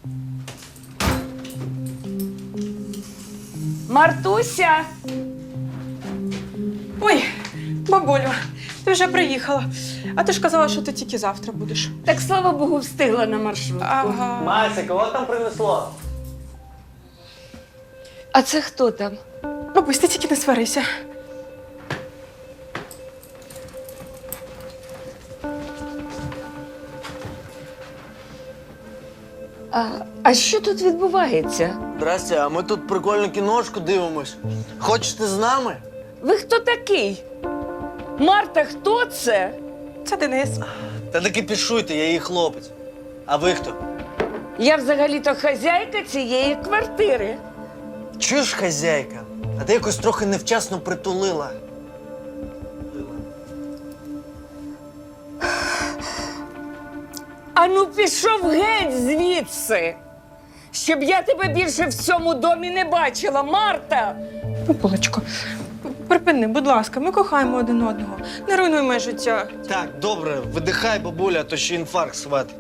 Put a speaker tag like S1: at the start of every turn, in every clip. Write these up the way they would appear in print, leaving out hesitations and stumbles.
S1: Мартуся!
S2: Ой, бабулю, ти вже приїхала. А ти ж казала, що ти тільки завтра будеш.
S1: Так, слава Богу, встигла на маршрутку.
S2: Ага.
S3: Мася, кого там принесло?
S1: А це хто там?
S2: Бабусь, ти тільки не сварися.
S1: А що тут відбувається?
S3: Здрасте, а ми тут прикольну кіношку дивимось. Хочете з нами?
S1: Ви хто такий? Марта, хто це?
S2: Це Денис.
S3: Та таки пішуйте, я її хлопець. А ви хто?
S1: Я взагалі-то хазяйка цієї квартири.
S3: Чуєш, хазяйка? А ти якось трохи невчасно притулила.
S1: Ану, пішов геть звідси, щоб я тебе більше в цьому домі не бачила, Марта!
S2: Бабулечко, припини, будь ласка, ми кохаємо один одного. Не руйнуй моє життя.
S3: Так, добре, видихай, бабуля, а то ще інфаркт схватить.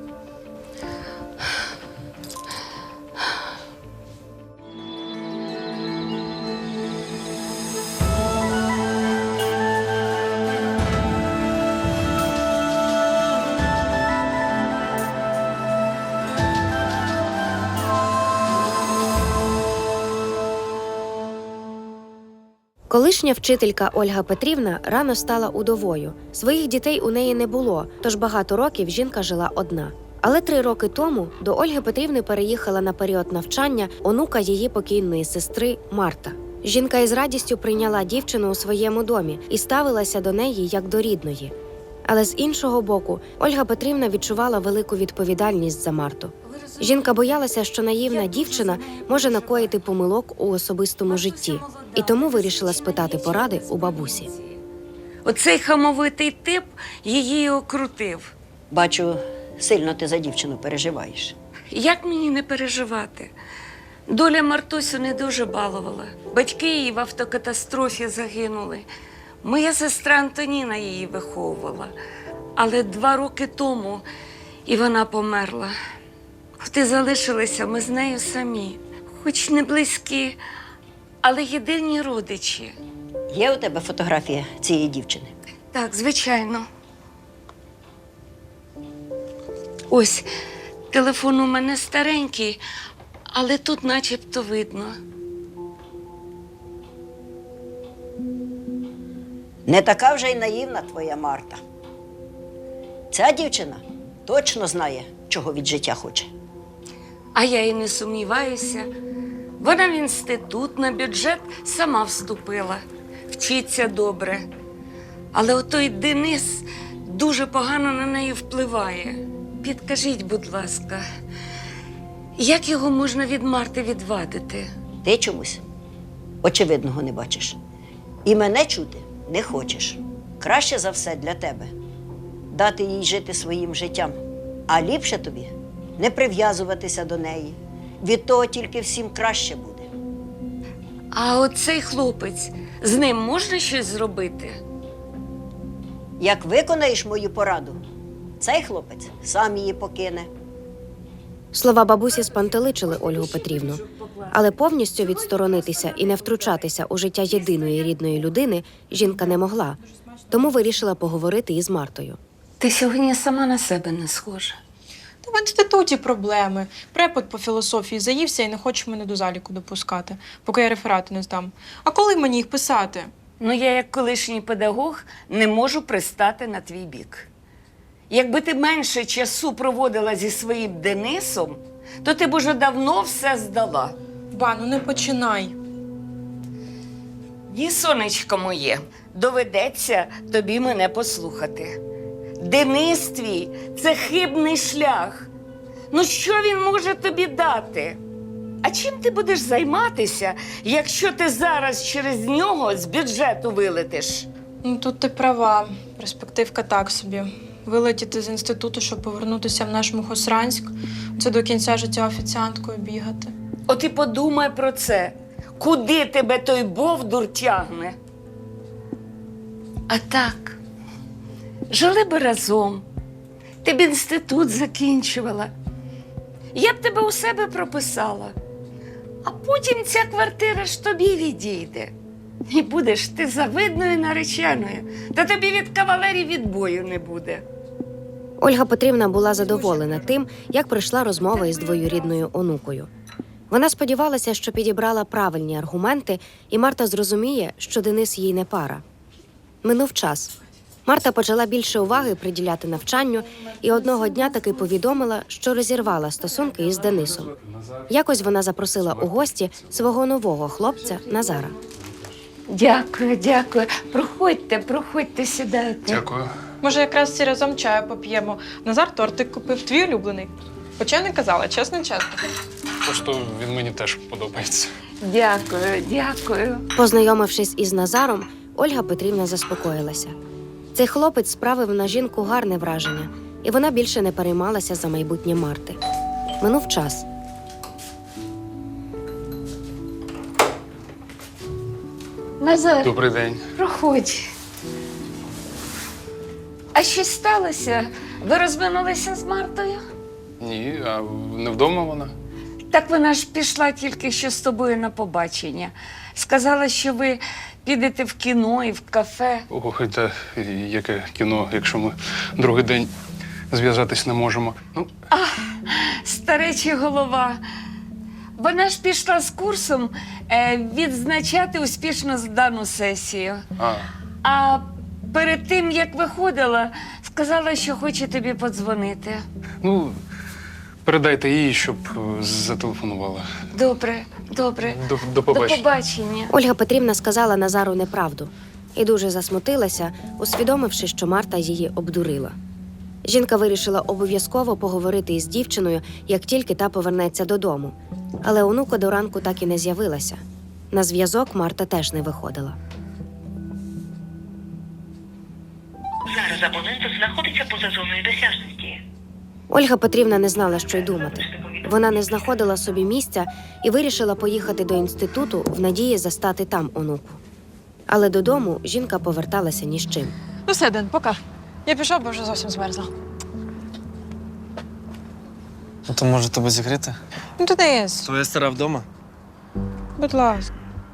S4: Колишня вчителька Ольга Петрівна рано стала удовою. Своїх дітей у неї не було, тож багато років жінка жила одна. Але 3 роки тому до Ольги Петрівни переїхала на період навчання онука її покійної сестри Марта. Жінка із радістю прийняла дівчину у своєму домі і ставилася до неї як до рідної. Але з іншого боку, Ольга Петрівна відчувала велику відповідальність за Марту. Жінка боялася, що наївна дівчина може накоїти помилок у особистому житті, і тому вирішила спитати поради у бабусі.
S1: Оцей хамовитий тип її окрутив.
S5: Бачу, сильно ти за дівчину переживаєш.
S1: Як мені не переживати? Доля Мартусю не дуже балувала. Батьки її в автокатастрофі загинули. Моя сестра Антоніна її виховувала. Але 2 роки тому і вона померла. От і залишилися ми з нею самі. Хоч не близькі, але єдині родичі.
S5: Є у тебе фотографія цієї дівчини?
S1: Так, звичайно. Ось, телефон у мене старенький, але тут начебто видно.
S5: Не така вже й наївна твоя Марта. Ця дівчина точно знає, чого від життя хоче.
S1: А я і не сумніваюся. Вона в інститут на бюджет сама вступила. Вчиться добре. Але отой Денис дуже погано на неї впливає. Підкажіть, будь ласка, як його можна від Марти відвадити?
S5: Ти чомусь очевидного не бачиш. І мене чути не хочеш. Краще за все для тебе дати їй жити своїм життям. А ліпше тобі не прив'язуватися до неї. Від того тільки всім краще буде.
S1: А оцей хлопець, з ним можна щось зробити?
S5: Як виконаєш мою пораду, цей хлопець сам її покине.
S4: Слова бабусі спантеличили Ольгу Петрівну. Але повністю відсторонитися і не втручатися у життя єдиної рідної людини жінка не могла. Тому вирішила поговорити із Мартою.
S1: Ти сьогодні сама на себе не схожа.
S2: Та в інституті проблеми. Препод по філософії заївся і не хоче мене до заліку допускати, поки я реферати не здам. А коли мені їх писати?
S1: Ну, я, як колишній педагог, не можу пристати на твій бік. Якби ти менше часу проводила зі своїм Денисом, то ти б уже давно все здала.
S2: Ба, ну не починай.
S1: Ні, сонечко моє, доведеться тобі мене послухати. Денис твій – це хибний шлях. Ну що він може тобі дати? А чим ти будеш займатися, якщо ти зараз через нього з бюджету вилетиш?
S2: Ну тут ти права. Перспективка так собі. Вилетіти з інституту, щоб повернутися в наш Мухосранськ – це до кінця життя офіціанткою бігати.
S1: От і подумай про це. Куди тебе той бовдур тягне? А так, жили би разом. Ти б інститут закінчувала. я б тебе у себе прописала. А потім ця квартира ж тобі відійде. І будеш ти завидною нареченою, та тобі від кавалерів відбою не буде.
S4: Ольга Петрівна була задоволена тим, як пройшла розмова із двоюрідною онукою. Вона сподівалася, що підібрала правильні аргументи, і Марта зрозуміє, що Денис їй не пара. Минув час. Марта почала більше уваги приділяти навчанню і одного дня таки повідомила, що розірвала стосунки із Денисом. Якось вона запросила у гості свого нового хлопця Назара.
S1: Дякую, дякую. Проходьте, сідайте.
S6: Дякую.
S2: Може, якраз всі разом чаю поп'ємо. Назар тортик купив, твій улюблений. Хоча не казала, чесно.
S6: Просто він мені теж подобається.
S1: Дякую.
S4: Познайомившись із Назаром, Ольга Петрівна заспокоїлася. Цей хлопець справив на жінку гарне враження, і вона більше не переймалася за майбутнє Марти. Минув час.
S1: Назар,
S6: Добрий день.
S1: проходь. А щось сталося? Ви розминулися з Мартою?
S6: Ні, а не вдома вона?
S1: Так вона ж пішла тільки що з тобою на побачення. Сказала, що ви підете в кіно і в кафе.
S6: Ой, та яке кіно, якщо ми другий день зв'язатись не можемо. Ну,
S1: Стареча голова. Вона ж пішла з курсом відзначати успішно здану сесію. А перед тим, як виходила, сказала, що хоче тобі подзвонити.
S6: ну, передайте їй, щоб зателефонувала.
S1: Добре.
S6: До
S1: До
S6: побачення.
S1: побачення.
S4: Ольга Петрівна сказала Назару неправду і дуже засмутилася, усвідомивши, що Марта її обдурила. Жінка вирішила обов'язково поговорити із дівчиною, як тільки та повернеться додому. Але онука до ранку так і не з'явилася. На зв'язок Марта теж не виходила.
S7: Зараз абонент знаходиться поза зоною досяжності.
S4: Ольга Петрівна не знала, що й думати. Вона не знаходила собі місця і вирішила поїхати до інституту в надії застати там онуку. Але додому жінка поверталася ні з чим.
S2: Ну все, Ден, пока. Я пішов, бо вже зовсім змерзла.
S3: Ну то може тебе зігріти?
S2: Ну, Денис,
S3: Твоя стара вдома?
S2: будь ласка.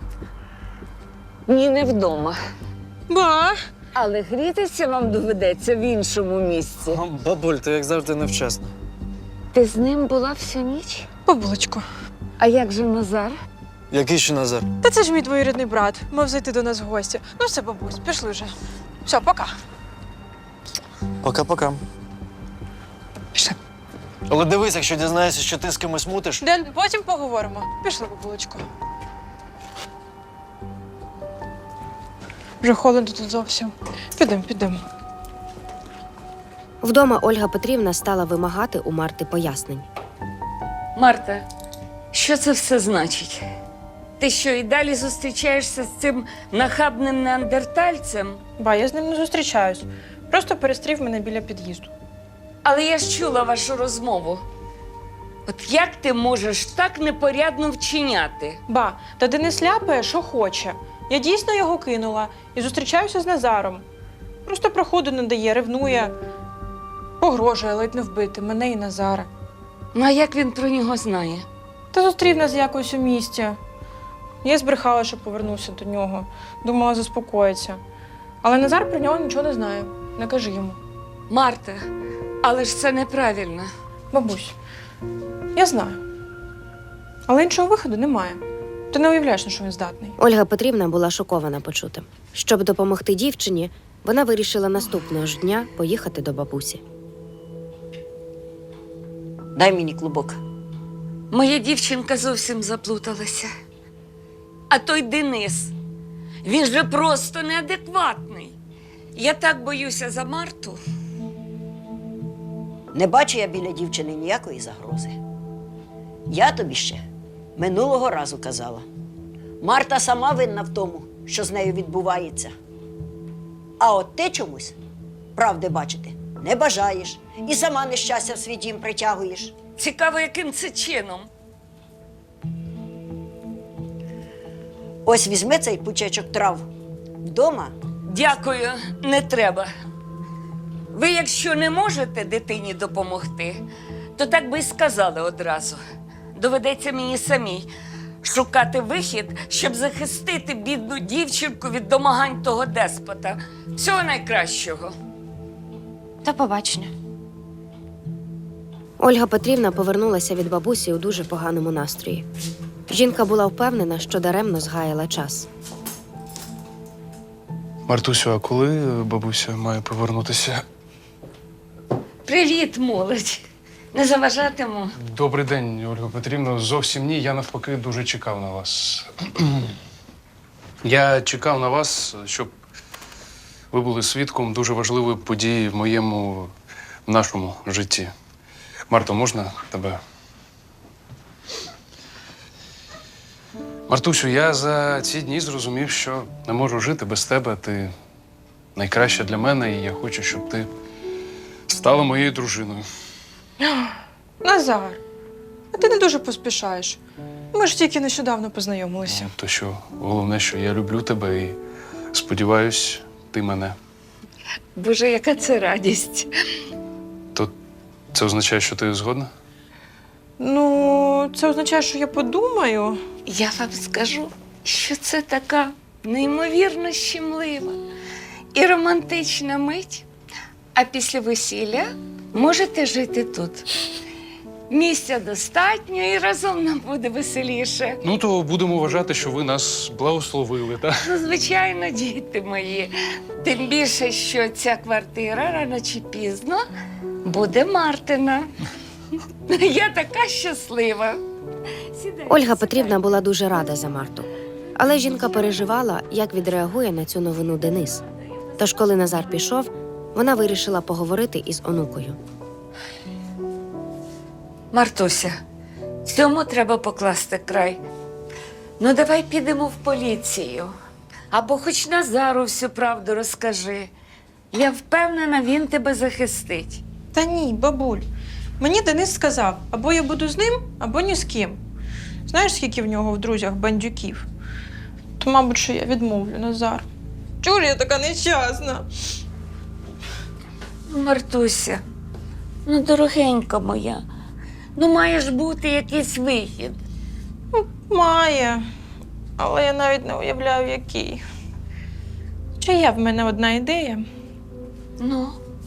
S1: Ні, не вдома.
S2: Ба!
S1: Але грітися вам доведеться в іншому місці.
S3: Бабуль, ти як завжди невчасна.
S1: Ти з ним була всю ніч?
S2: Бабулечко.
S1: А як же Назар?
S3: Який ще Назар?
S2: Та це ж мій двоюрідний брат. Мав зайти до нас в гості. Ну все, бабусь, пішли вже. Все, пока.
S3: Пока-пока.
S2: Пішли.
S3: Але дивись, якщо дізнаєшся, що ти з кимось мутиш.
S2: Ден, потім поговоримо. Пішли, бабулечко. Вже холодно тут зовсім. Підемо.
S4: Вдома Ольга Петрівна стала вимагати у Марти пояснень.
S1: Марта, що це все значить? Ти що, і далі зустрічаєшся з цим нахабним неандертальцем?
S2: Ба, я з ним не зустрічаюсь. Просто перестрів мене біля під'їзду.
S1: Але я ж чула вашу розмову. От як ти можеш так непорядно вчиняти?
S2: Ба, та Денис ляпає, що хоче. Я дійсно його кинула і зустрічаюся з Назаром. Просто проходу не дає, ревнує. Погрожує ледь не вбити мене і Назара.
S1: Ну, а як він про нього знає?
S2: Та зустрів нас якось у місті. Я збрехала, що повернуся до нього. Думала, заспокоїться. Але Назар про нього нічого не знає. Не кажи йому.
S1: Марта, але ж це неправильно.
S2: Бабусь, я знаю. Але іншого виходу немає. Ти не уявляєш, на що він здатний.
S4: Ольга Петрівна була шокована почутим. Щоб допомогти дівчині, вона вирішила наступного ж дня поїхати до бабусі.
S5: Дай мені клубок.
S1: Моя дівчинка зовсім заплуталася. А той Денис, він же просто неадекватний. Я так боюся за Марту.
S5: Не бачу я біля дівчини ніякої загрози. Я тобі ще минулого разу казала. Марта сама винна в тому, що з нею відбувається. А от ти чомусь правди бачити не бажаєш і сама нещастя в свій дім притягуєш.
S1: Цікаво, яким це чином.
S5: Ось візьми цей пучечок трав вдома.
S1: Дякую, не треба. Ви, якщо не можете дитині допомогти, то так би й сказали одразу. Доведеться мені самій шукати вихід, щоб захистити бідну дівчинку від домагань того деспота. Всього найкращого.
S8: До побачення.
S4: Ольга Петрівна повернулася від бабусі у дуже поганому настрої. Жінка була впевнена, що даремно згаяла час.
S6: Мартусю, а коли бабуся має повернутися?
S1: Привіт, молодь. Не заважатиму.
S6: Добрий день, Ольга Петрівна. Зовсім ні, я навпаки дуже чекав на вас. Я чекав на вас, щоб ви були свідком дуже важливої події в нашому житті. Марто, можна тебе? Мартусю, я за ці дні зрозумів, що не можу жити без тебе. Ти найкраща для мене, і я хочу, щоб ти стала моєю дружиною.
S2: Назар, а ти не дуже поспішаєш. Ми ж тільки нещодавно познайомилися.
S6: То що, головне, що я люблю тебе і сподіваюсь, ти мене.
S1: Боже, яка це радість.
S6: То це означає, що ти згодна?
S2: Ну, це означає, що я подумаю.
S1: Я вам скажу, що це така неймовірно щемлива і романтична мить. А після весілля можете жити тут. Місця достатньо і разом нам буде веселіше.
S6: Ну, то будемо вважати, що ви нас благословили, так?
S1: Ну, звичайно, діти мої. Тим більше, що ця квартира рано чи пізно буде Мартина. Я така щаслива. Сідайте,
S4: Ольга Петрівна була дуже рада за Марту. Але жінка переживала, як відреагує на цю новину Денис. Тож, коли Назар пішов, вона вирішила поговорити із онукою.
S1: Мартуся, цьому треба покласти край. Ну, давай підемо в поліцію. Або хоч Назару всю правду розкажи. Я впевнена, він тебе захистить.
S2: Та ні, бабуль. Мені Денис сказав, або я буду з ним, або ні з ким. Знаєш, скільки в нього в друзях бандюків? То, мабуть, що я відмовлю, Назар. Чого ж я така нещасна?
S1: Мартуся, ну, дорогенька моя, ну має ж бути якийсь вихід.
S2: Має, але я навіть не уявляю, який. Чи є в мене одна ідея?
S1: Ну,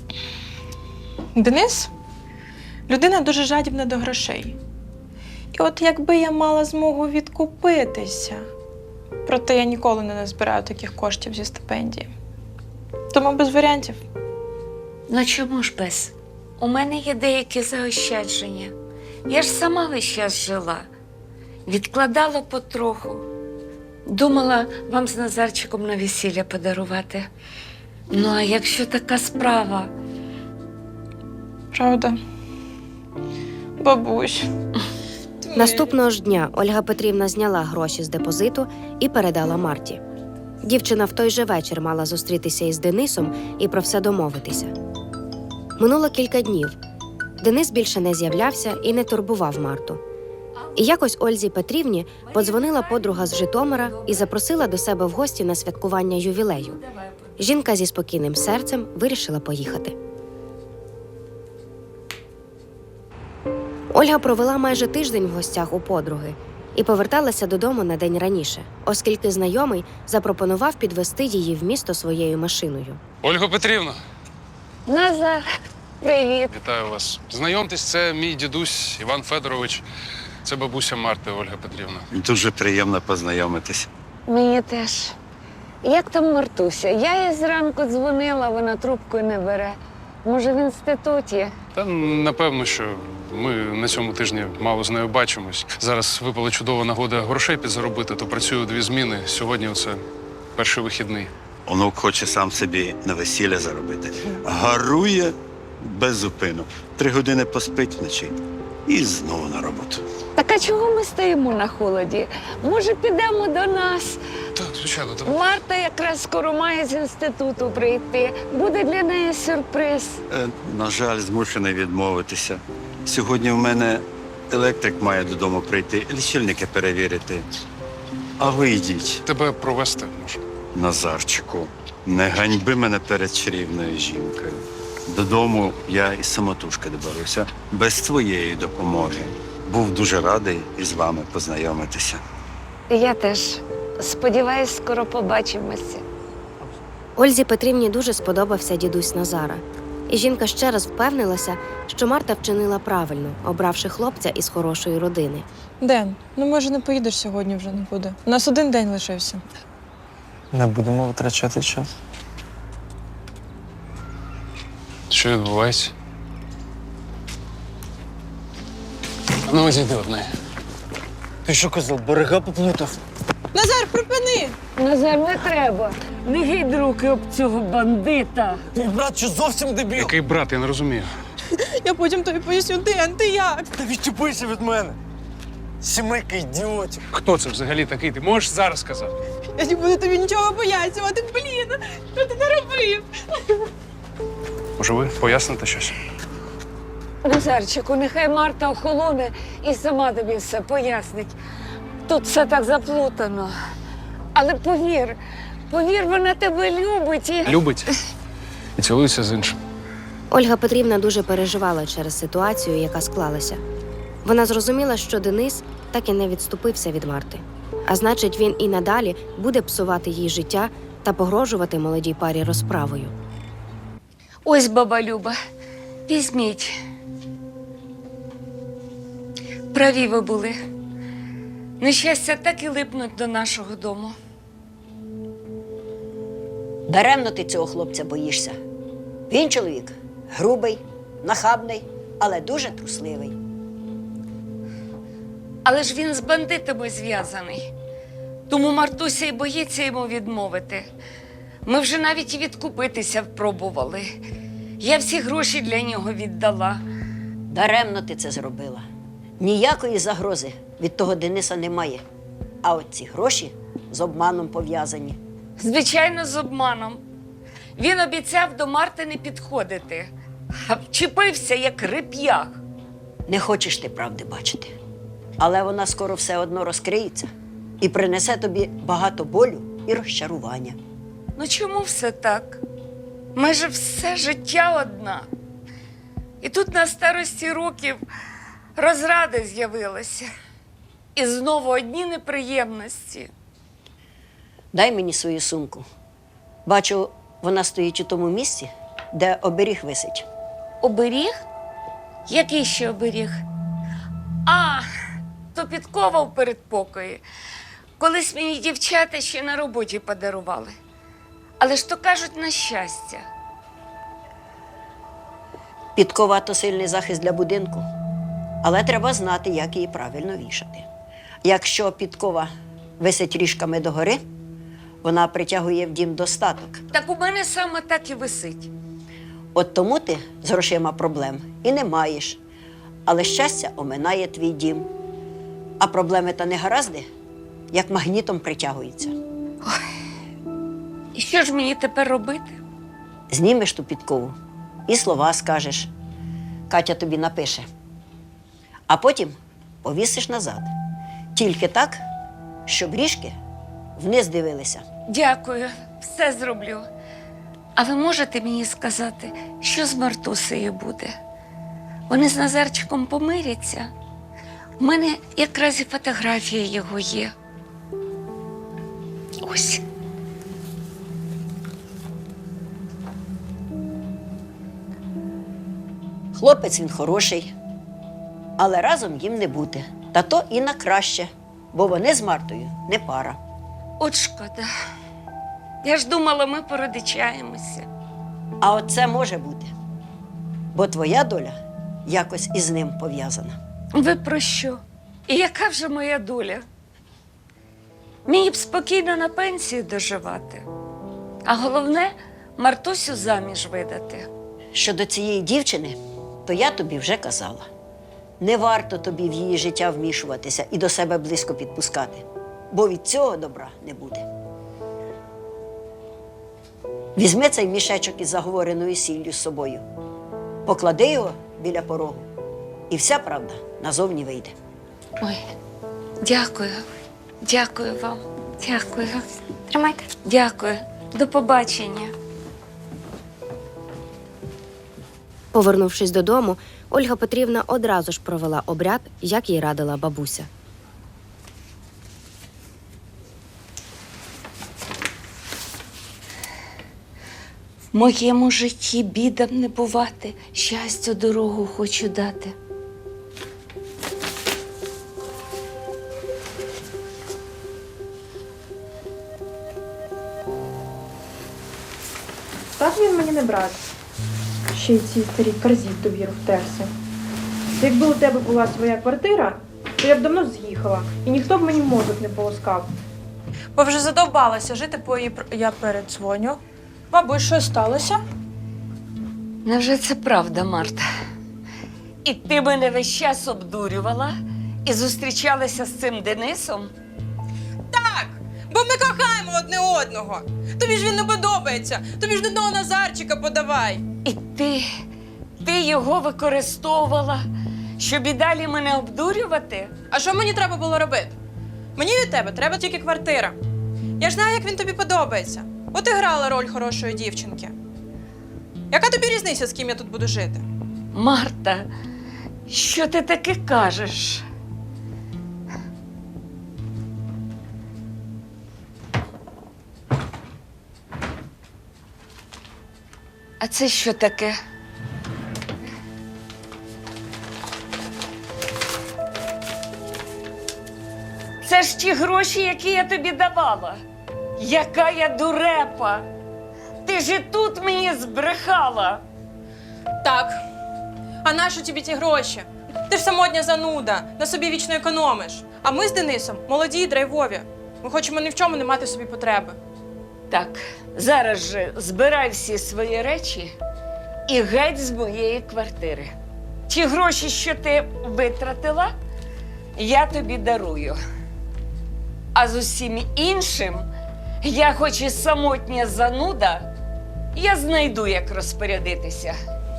S2: Денис – людина дуже жадібна до грошей. І от якби я мала змогу відкупитися, проте я ніколи не назбираю таких коштів зі стипендії. Тому без варіантів.
S1: ну чому ж без? У мене є деякі заощадження. Я ж сама весь час жила. Відкладала потроху. Думала вам з Назарчиком на весілля подарувати. Ну, а якщо така справа?
S2: Правда? Бабусь.
S4: Наступного ж дня Ольга Петрівна зняла гроші з депозиту і передала Марті. Дівчина в той же вечір мала зустрітися із Денисом і про все домовитися. Минуло кілька днів. Денис більше не з'являвся і не турбував Марту. І якось Ользі Петрівні подзвонила подруга з Житомира і запросила до себе в гості на святкування ювілею. Жінка зі спокійним серцем вирішила поїхати. Ольга провела майже тиждень в гостях у подруги і поверталася додому на день раніше, оскільки знайомий запропонував підвести її в місто своєю машиною.
S6: Ольга Петрівна,
S1: Назар, привіт.
S6: вітаю вас. Знайомтесь, це мій дідусь Іван Федорович. Це бабуся Марти, Ольга Петрівна.
S9: Дуже приємно познайомитись.
S1: Мені теж. Як там Мартуся? Я їй зранку дзвонила, вона трубку не бере. Може, в інституті?
S6: Та напевно, що ми на цьому тижні мало з нею бачимось. Зараз випала чудова нагода грошей підзаробити, то працюю 2 зміни. Сьогодні оце перший вихідний.
S9: Онук хоче сам собі на весілля заробити. Гарує без зупину. 3 години поспить вночі і знову на роботу.
S1: Так а чого ми стоїмо на холоді? Може, підемо до нас?
S6: Так, звичайно, давай.
S1: Марта якраз скоро має з інституту прийти. Буде для неї сюрприз.
S9: На жаль, змушений відмовитися. Сьогодні в мене електрик має додому прийти, лічильники перевірити. А ви йдіть.
S6: Тебе провести можу.
S9: Назарчику, не ганьби мене перед чарівною жінкою. Додому я із самотужки доберуся, без твоєї допомоги. Був дуже радий із вами познайомитися.
S1: Я теж сподіваюсь, скоро побачимося.
S4: Ользі Петрівні дуже сподобався дідусь Назара. І жінка ще раз впевнилася, що Марта вчинила правильно, обравши хлопця із хорошої родини.
S2: Ден, ну може не поїдеш сьогодні вже не буде. У нас один день лишився.
S3: Не будемо витрачати час.
S6: Що відбувається? Ну, зійди одне.
S3: Ти що казав, берега поплутав?
S2: Назар, припини!
S1: Назар, не треба. Не гідь руки об цього бандита.
S3: Твій брат що зовсім дебіл?
S6: Який брат, я не розумію.
S2: Я потім тобі поясню, Ден, ти як?
S3: Та відчепися від мене. Сімейка ідіотів.
S6: Хто це взагалі такий? Ти можеш зараз сказати?
S2: Я не буду тобі нічого пояснювати, блін! Що ти наробив?
S6: Може, ви поясните щось?
S1: Назарчику, нехай Марта охолоне і сама тобі все пояснить. Тут все так заплутано. Але повір, вона тебе любить і...
S6: Любить і цілується з іншим.
S4: Ольга Петрівна дуже переживала через ситуацію, яка склалася. Вона зрозуміла, що Денис так і не відступився від Марти. А значить, він і надалі буде псувати їй життя та погрожувати молодій парі розправою.
S1: Ось, баба Люба, візьміть. Праві ви були. Нещастя так і липнуть до нашого дому.
S5: Даремно ти цього хлопця боїшся. Він чоловік грубий, нахабний, але дуже трусливий.
S1: Але ж він з бандитами зв'язаний. Тому Мартуся й боїться йому відмовити. Ми вже навіть і відкупитися пробували. Я всі гроші для нього віддала.
S5: Даремно ти це зробила. Ніякої загрози від того Дениса немає. А от ці гроші з обманом пов'язані.
S1: Звичайно, з обманом. Він обіцяв до Марти не підходити, а вчепився, як реп'ях.
S5: Не хочеш ти правди бачити. Але вона скоро все одно розкриється і принесе тобі багато болю і розчарування.
S1: Ну чому все так? Майже все життя одна. І тут на старості років розради з'явилися. І знову одні неприємності.
S5: Дай мені свою сумку. Бачу, вона стоїть у тому місці, де оберіг висить.
S1: Оберіг? Який ще оберіг? А, то підкова в передпокої. Колись мені дівчата ще на роботі подарували. Але ж то кажуть на щастя.
S5: Підкова – то сильний захист для будинку, але треба знати, як її правильно вішати. Якщо підкова висить ріжками догори, вона притягує в дім достаток.
S1: Так у мене саме так і висить.
S5: От тому ти з грошима проблем і не маєш. Але щастя оминає твій дім. А проблеми та негаразди, як магнітом, притягуються.
S1: І що ж мені тепер робити?
S5: Знімеш ту підкову і слова скажеш. Катя тобі напише. А потім повісиш назад. Тільки так, щоб ріжки вниз дивилися.
S1: Дякую, все зроблю. А ви можете мені сказати, що з Мартусею буде? Вони з Назарчиком помиряться? У мене якраз і фотографія його є. Ось.
S5: Хлопець він хороший, але разом їм не бути. Та то і на краще, бо вони з Мартою не пара.
S1: От шкода. Я ж думала, ми породичаємося.
S5: А от це може бути, бо твоя доля якось із ним пов'язана.
S1: Ви про що? І яка вже моя доля? Мені б спокійно на пенсію доживати. А головне – Мартусю заміж видати.
S5: Щодо цієї дівчини, то я тобі вже казала. Не варто тобі в її життя вмішуватися і до себе близько підпускати, бо від цього добра не буде. Візьми цей мішечок із заговореною сіллю з собою, поклади його біля порогу, і вся правда назовні вийде.
S1: Ой, дякую. Дякую вам. Дякую.
S8: Тримайте.
S1: Дякую. До побачення.
S4: Повернувшись додому, Ольга Петрівна одразу ж провела обряд, як їй радила бабуся.
S1: В моєму житті бідам не бувати, щастю дорогу хочу дати.
S2: Так він мені не брат. Ще й ці старі корзі в довіру втерся. Якби у тебе була своя квартира, то я б давно з'їхала, і ніхто б мені мозок не полоскав. Бо вже задовбалася жити по її... Я передзвоню. Бабусь, що сталося?
S1: Невже це правда, Марта? І ти мене весь час обдурювала і зустрічалася з цим Денисом?
S2: Так, бо ми кохаємо одне одного. Тобі ж він не подобається. Тобі ж до того Назарчика подавай.
S1: І ти його використовувала, щоб і далі мене обдурювати?
S2: А що мені треба було робити? Мені від тебе треба тільки квартира. Я ж знаю, як він тобі подобається. От і грала роль хорошої дівчинки. Яка тобі різниця, з ким я тут буду жити?
S1: Марта, що ти таке кажеш? А це що таке? Це ж ті гроші, які я тобі давала. Яка я дурепа! Ти ж і тут мені збрехала.
S2: Так. А нащо тобі ті гроші? Ти ж самотня зануда, на собі вічно економиш. А ми з Денисом молоді і драйвові. Ми хочемо ні в чому не мати собі потреби.
S1: Так, зараз же збирай всі свої речі і геть з моєї квартири. Ті гроші, що ти витратила, я тобі дарую. А з усім іншим, я хоч і самотня зануда, я знайду, як розпорядитися.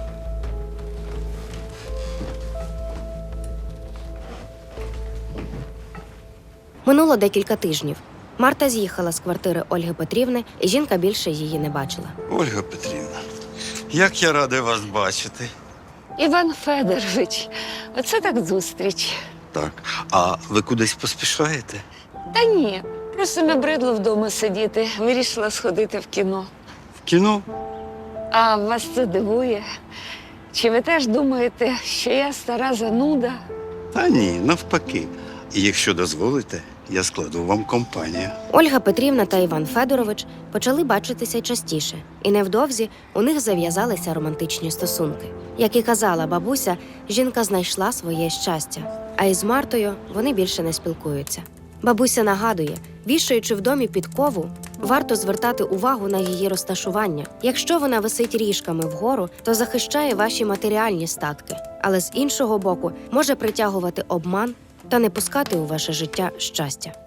S4: Минуло декілька тижнів. Марта з'їхала з квартири Ольги Петрівни, і жінка більше її не бачила.
S9: Ольга Петрівна, як я радий вас бачити.
S1: Іван Федорович, оце так зустріч.
S9: Так, а ви кудись поспішаєте?
S1: Та ні, просто набридло вдома сидіти. Вирішила сходити в кіно.
S9: В кіно?
S1: А вас це дивує? Чи ви теж думаєте, що я стара зануда?
S9: Та ні, навпаки. І якщо дозволите, я складу вам компанію.
S4: Ольга Петрівна та Іван Федорович почали бачитися частіше, і невдовзі у них зав'язалися романтичні стосунки. Як і казала бабуся, жінка знайшла своє щастя, а із Мартою вони більше не спілкуються. Бабуся нагадує, вішаючи в домі підкову, варто звертати увагу на її розташування. Якщо вона висить ріжками вгору, то захищає ваші матеріальні статки, але з іншого боку може притягувати обман та не пускати у ваше життя щастя.